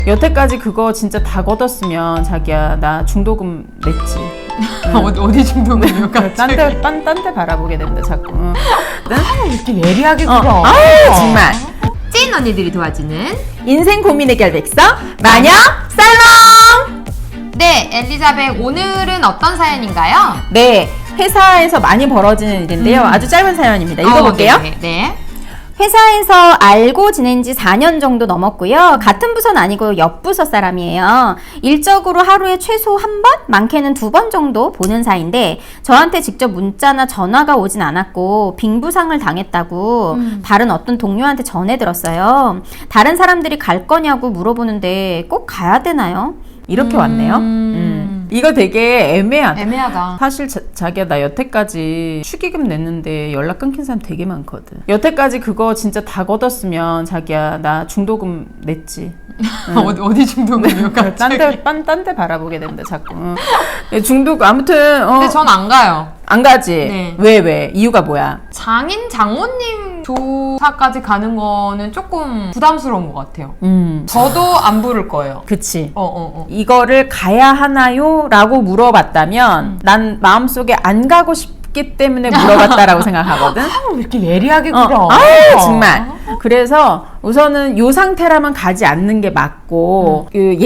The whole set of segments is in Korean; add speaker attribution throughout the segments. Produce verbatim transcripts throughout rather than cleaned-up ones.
Speaker 1: 여태까지 그거 진짜 다 걷었으면 자기야 나 중도금 냈지.
Speaker 2: 응. 어디, 어디 중도금이요?
Speaker 1: 딴데 딴, 딴 데 바라보게 된다 자꾸. 응.
Speaker 2: 아, 이렇게 예리하게 굴어.
Speaker 1: 어. 아유 정말.
Speaker 2: 찐 언니들이 도와주는
Speaker 1: 인생 고민 해결 백서 마녀 살롱.
Speaker 2: 네, 엘리자벳 오늘은 어떤 사연인가요?
Speaker 1: 네, 회사에서 많이 벌어지는 일인데요.
Speaker 2: 음.
Speaker 1: 아주 짧은 사연입니다. 읽어볼게요.
Speaker 2: 어, 네, 네.
Speaker 3: 회사에서 알고 지낸 지 사 년 정도 넘었고요. 같은 부서는 아니고 옆 부서 사람이에요. 일적으로 하루에 최소 한 번, 많게는 두 번 정도 보는 사이인데 저한테 직접 문자나 전화가 오진 않았고 빙부상을 당했다고
Speaker 2: 음.
Speaker 3: 다른 어떤 동료한테 전해 들었어요. 다른 사람들이 갈 거냐고 물어보는데 꼭 가야 되나요?
Speaker 1: 이렇게
Speaker 2: 음.
Speaker 1: 왔네요. 음. 이거 되게 애매하다.
Speaker 2: 애매하다.
Speaker 1: 사실 자, 자기야 나 여태까지 축의금 냈는데 연락 끊긴 사람 되게 많거든. 여태까지 그거 진짜 다 걷었으면 자기야 나 중도금 냈지.
Speaker 2: 응. 어디, 어디 중도금이요?
Speaker 1: 딴데 딴, 딴 데 바라보게 된다 자꾸. 응. 중도금 아무튼 어,
Speaker 2: 근데 전 안 가요.
Speaker 1: 안 가지.
Speaker 2: 네.
Speaker 1: 왜 왜? 이유가 뭐야?
Speaker 2: 장인 장모님 조사까지 가는 거는 조금 부담스러운 것 같아요.
Speaker 1: 음.
Speaker 2: 저도 안 부를 거예요.
Speaker 1: 그치.
Speaker 2: 어, 어, 어.
Speaker 1: 이거를 가야 하나요? 라고 물어봤다면
Speaker 2: 음.
Speaker 1: 난 마음속에 안 가고 싶기 때문에 물어봤다라고 생각하거든.
Speaker 2: 왜 이렇게 예리하게
Speaker 1: 어,
Speaker 2: 굴어?
Speaker 1: 아유, 정말. 그래서 우선은 요 상태라면 가지 않는 게 맞고,
Speaker 2: 음.
Speaker 1: 그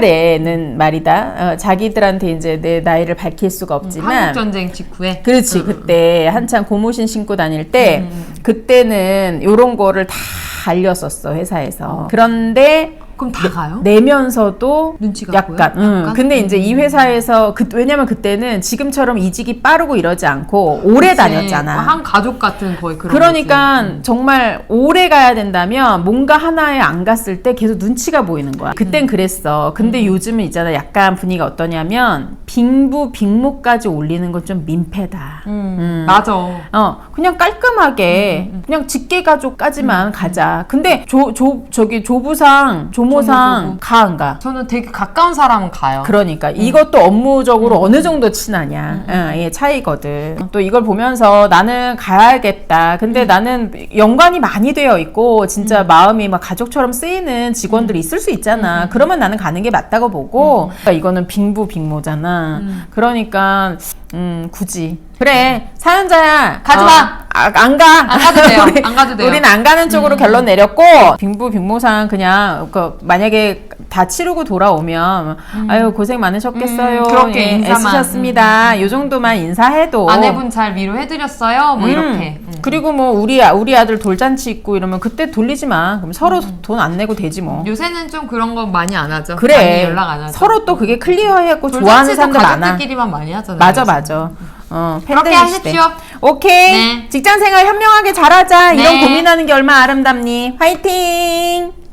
Speaker 1: 옛날에는 말이다, 어, 자기들한테 이제 내 나이를 밝힐 수가 없지만,
Speaker 2: 한국전쟁 직후에.
Speaker 1: 그렇지,
Speaker 2: 음,
Speaker 1: 그때 한창 고무신 신고 다닐 때,
Speaker 2: 음.
Speaker 1: 그때는 요런 거를 다 알렸었어, 회사에서.
Speaker 2: 어.
Speaker 1: 그런데,
Speaker 2: 그럼 다 가요?
Speaker 1: 내면서도
Speaker 2: 눈치가
Speaker 1: 약간,
Speaker 2: 보여?
Speaker 1: 응.
Speaker 2: 약간?
Speaker 1: 근데 이제 이
Speaker 2: 음.
Speaker 1: 회사에서 그, 왜냐면 그때는 지금처럼 이직이 빠르고 이러지 않고 오래
Speaker 2: 그치.
Speaker 1: 다녔잖아.
Speaker 2: 한 가족 같은 거의 그런
Speaker 1: 그러니까
Speaker 2: 거지. 음.
Speaker 1: 정말 오래 가야 된다면 뭔가 하나에 안 갔을 때 계속 눈치가 보이는 거야. 그땐 그랬어. 근데
Speaker 2: 음.
Speaker 1: 요즘은 있잖아. 약간 분위기가 어떠냐면 빙부 빙모까지 올리는 건 좀 민폐다.
Speaker 2: 음,
Speaker 1: 음.
Speaker 2: 맞아.
Speaker 1: 어 그냥 깔끔하게
Speaker 2: 음, 음.
Speaker 1: 그냥 직계가족까지만
Speaker 2: 음,
Speaker 1: 가자. 근데 조 조 저기 조부상 조모상
Speaker 2: 조모, 조모.
Speaker 1: 가 안 가?
Speaker 2: 저는 되게 가까운 사람은 가요.
Speaker 1: 그러니까
Speaker 2: 음.
Speaker 1: 이것도 업무적으로 어느 정도 친하냐 응, 예, 차이거든. 또 이걸 보면서 나는 가야겠다. 근데
Speaker 2: 음.
Speaker 1: 나는 연관이 많이 되어 있고 진짜 마음이 막 가족처럼 쓰이는 직원들이 있을 수 있잖아. 그러면 나는 가는 게 맞다고 보고 그러니까 이거는 빙부 빙모잖아.
Speaker 2: 음.
Speaker 1: 그러니까 음 굳이 그래 사연자야
Speaker 2: 가지
Speaker 1: 어,
Speaker 2: 마.
Speaker 1: 아, 안 가.
Speaker 2: 안 가도 돼요.
Speaker 1: 우리,
Speaker 2: 안 가도 돼요.
Speaker 1: 우리는 안 가는 쪽으로
Speaker 2: 음.
Speaker 1: 결론 내렸고 빙부 빙모상 그냥 그 만약에 다 치르고 돌아오면 아유 고생 많으셨겠어요.
Speaker 2: 음, 그렇게
Speaker 1: 예,
Speaker 2: 인사만.
Speaker 1: 애쓰셨습니다. 요 정도만 인사해도
Speaker 2: 아내분 잘 위로해드렸어요? 뭐
Speaker 1: 음.
Speaker 2: 이렇게. 음.
Speaker 1: 그리고 뭐 우리 아- 우리 아들 돌잔치 있고 이러면 그때 돌리지 마. 그럼 서로 돈 안 내고 되지 뭐.
Speaker 2: 요새는 좀 그런 거 많이 안 하죠. 많이
Speaker 1: 그래.
Speaker 2: 연락 안 하죠.
Speaker 1: 서로 또 그게 클리어했고 좋아하는
Speaker 2: 돌잔치도
Speaker 1: 사람들 많아.
Speaker 2: 가족들끼리만 많이 하잖아요.
Speaker 1: 맞아
Speaker 2: 요새.
Speaker 1: 맞아. 어,
Speaker 2: 그렇게
Speaker 1: 팬데믹 시대.
Speaker 2: 하십시오.
Speaker 1: 오케이.
Speaker 2: 네.
Speaker 1: 직장 생활 현명하게 잘하자. 이런
Speaker 2: 네.
Speaker 1: 고민하는 게 얼마나 아름답니. 화이팅.